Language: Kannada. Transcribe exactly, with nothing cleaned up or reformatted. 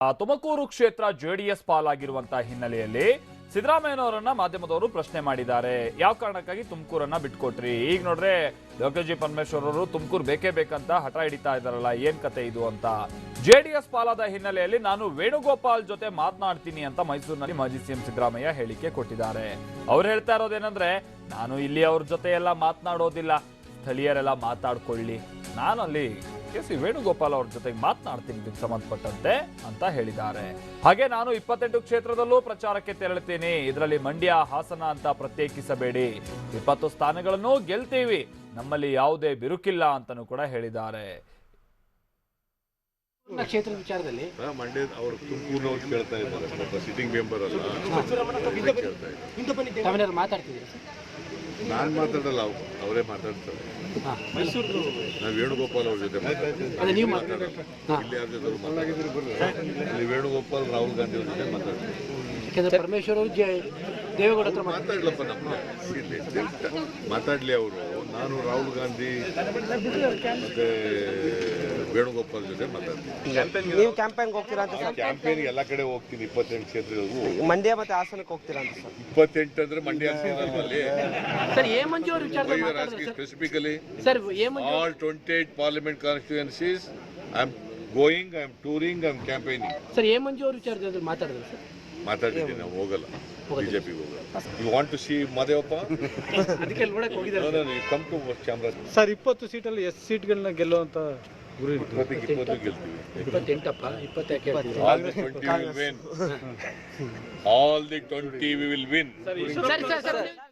ಆ ತುಮಕೂರು ಕ್ಷೇತ್ರ ಜೆಡಿಎಸ್ ಪಾಲಾಗಿರುವಂತಹ ಹಿನ್ನೆಲೆಯಲ್ಲಿ ಸಿದ್ದರಾಮಯ್ಯನವರನ್ನ ಮಾಧ್ಯಮದವರು ಪ್ರಶ್ನೆ ಮಾಡಿದ್ದಾರೆ. ಯಾವ ಕಾರಣಕ್ಕಾಗಿ ತುಮಕೂರನ್ನ ಬಿಟ್ಕೊಟ್ರಿ? ಈಗ ನೋಡ್ರೆ ಡಾಕ್ಟರ್ ಜಿ ಪರಮೇಶ್ವರ್ ಅವರು ತುಮಕೂರು ಬೇಕೇ ಬೇಕಂತ ಹಠ ಹಿಡಿತಾ ಇದಾರಲ್ಲ, ಏನ್ ಕತೆ ಇದು ಅಂತ. ಜೆಡಿಎಸ್ ಪಾಲಾದ ಹಿನ್ನೆಲೆಯಲ್ಲಿ ನಾನು ವೇಣುಗೋಪಾಲ್ ಜೊತೆ ಮಾತನಾಡ್ತೀನಿ ಅಂತ ಮೈಸೂರಿನಲ್ಲಿ ಮಾಜಿ ಸಿಎಂ ಸಿದ್ದರಾಮಯ್ಯ ಹೇಳಿಕೆ ಕೊಟ್ಟಿದ್ದಾರೆ. ಅವ್ರು ಹೇಳ್ತಾ ಇರೋದೇನಂದ್ರೆ, ನಾನು ಇಲ್ಲಿ ಅವ್ರ ಜೊತೆ ಎಲ್ಲ ಮಾತನಾಡೋದಿಲ್ಲ, ಸ್ಥಳೀಯರೆಲ್ಲ ಮಾತಾಡ್ಕೊಳ್ಳಿ, ನಾನು ಅಲ್ಲಿ ಕೆ ಸಿ ವೇಣುಗೋಪಾಲ್ ಅವ್ರ ಜೊತೆಗೆ ಮಾತನಾಡ್ತೀನಿ ಇದಕ್ಕೆ ಸಂಬಂಧಪಟ್ಟಂತೆ ಅಂತ ಹೇಳಿದ್ದಾರೆ. ಹಾಗೆ ನಾನು ಇಪ್ಪತ್ತೆಂಟು ಕ್ಷೇತ್ರದಲ್ಲೂ ಪ್ರಚಾರಕ್ಕೆ ತೆರಳುತ್ತೀನಿ, ಇದರಲ್ಲಿ ಮಂಡ್ಯ ಹಾಸನ ಅಂತ ಪ್ರತ್ಯೇಕಿಸಬೇಡಿ, ಇಪ್ಪತ್ತು ಸ್ಥಾನಗಳನ್ನು ಗೆಲ್ತೀವಿ, ನಮ್ಮಲ್ಲಿ ಯಾವುದೇ ಬಿರುಕಿಲ್ಲ ಅಂತನೂ ಕೂಡ ಹೇಳಿದ್ದಾರೆ. ಕ್ಷೇತ್ರದ ವಿಚಾರದಲ್ಲಿ ಮಂಡ್ಯ ಅವರು ತುಮಕೂರಿನವ್ರು ಕೇಳ್ತಾ ಇದ್ದಾರೆ, ಸಿಟ್ಟಿಂಗ್ ಮೆಂಬರ್ ಅಲ್ಲ, ತಾವೇನಾದ್ರು ಮಾತಾಡ್ತಿದ್ದೀರಿ? ನಾನು ಮಾತಾಡಲ್ಲ, ಅವರೇ ಮಾತಾಡ್ತಾರೆ. ನಾವು ವೇಣುಗೋಪಾಲ್ ಅವ್ರ ಜೊತೆ ಮಾತಾಡ್ತೀವಿ, ನೀವು ಇಲ್ಲಿ ಯಾರ ಜೊತೆ ಮಾತಾಡ್ತೀವಿ, ಇಲ್ಲಿ ವೇಣುಗೋಪಾಲ್ ರಾಹುಲ್ ಗಾಂಧಿ ಅವ್ರ ಜೊತೆ ಮಾತಾಡ್ತೀವಿ. ಯಾಕಂದ್ರೆ ಪರಮೇಶ್ವರ್ ಅವರು ದೇವೇಗೌಡ ಹತ್ರ ಮಾತಾಡ್ಲಪ್ಪ, ನಮ್ಗೆ ಮಾತಾಡ್ಲಿ ಅವರು. ನಾನು ರಾಹುಲ್ ಗಾಂಧಿ ಮತ್ತೆ ವೇಣುಗೋಪಾಲ್ ಜೊತೆ ಮಾತಾಡ್ತೀನಿ. ನೀವು ಕ್ಯಾಂಪೇನ್ಗೆ ಹೋಗ್ತೀರಾ ಅಂತ ಸರ್? ಕ್ಯಾಂಪೇನ್ ಎಲ್ಲ ಕಡೆ ಹೋಗ್ತೀನಿ, ಇಪ್ಪತ್ತೆಂಟು ಕ್ಷೇತ್ರಗಳಿಗೂ. ಮಂಡ್ಯ ಮತ್ತೆ ಹಾಸನಕ್ಕೆ ಹೋಗ್ತೀರಾ ಅಂತ ಸರ್? ಇಪ್ಪತ್ತೆಂಟು ಅಂದ್ರೆ ಮಂಡ್ಯ ಸೇರಲ್ವಲ್ಲಿ. ಸರ್ ಎ ಮಂಜು ಅವ್ರ ವಿಚಾರದಲ್ಲಿ specifically sir A Manju all twenty-eight parliament constituencies I am going, I am touring, I am campaigning. Sir A Manju ಅವ್ರ ವಿಚಾರದಲ್ಲಿ ಮಾತಾಡಿದ್ರು ಸರ್? ಮಾತಾಡಿದ್ದೀನಿ, ನಾವು ಹೋಗಲ್ಲ, ಬಿಜೆಪಿಗೆ ಹೋಗಲ್ಲ. You want to see Mahadevappa? ಅದಕ್ಕೆ ನೋಡಕ್ಕೆ ಹೋಗಿದ್ದಾರೆ. Come to Chamaraja sir. ಇಪ್ಪತ್ತು ಸೀಟಲ್ಲಿ ಎಷ್ಟು ಸೀಟ್ಗಳನ್ನ ಗೆಲ್ಲುವಂತ ಗುರಿ ಇಪ್ಪತ್ತಿಗೆ ಇಪ್ಪತ್ತು ಗೆಲ್ತೀವಿ. ಇಪ್ಪತ್ತೆಂಟಪ್ಪ, ಇಪ್ಪತ್ತ್ಯಾಕೆ? All the twenty will win. All the twenty we will win. ಸರಿ ಸರ್ ಸರ್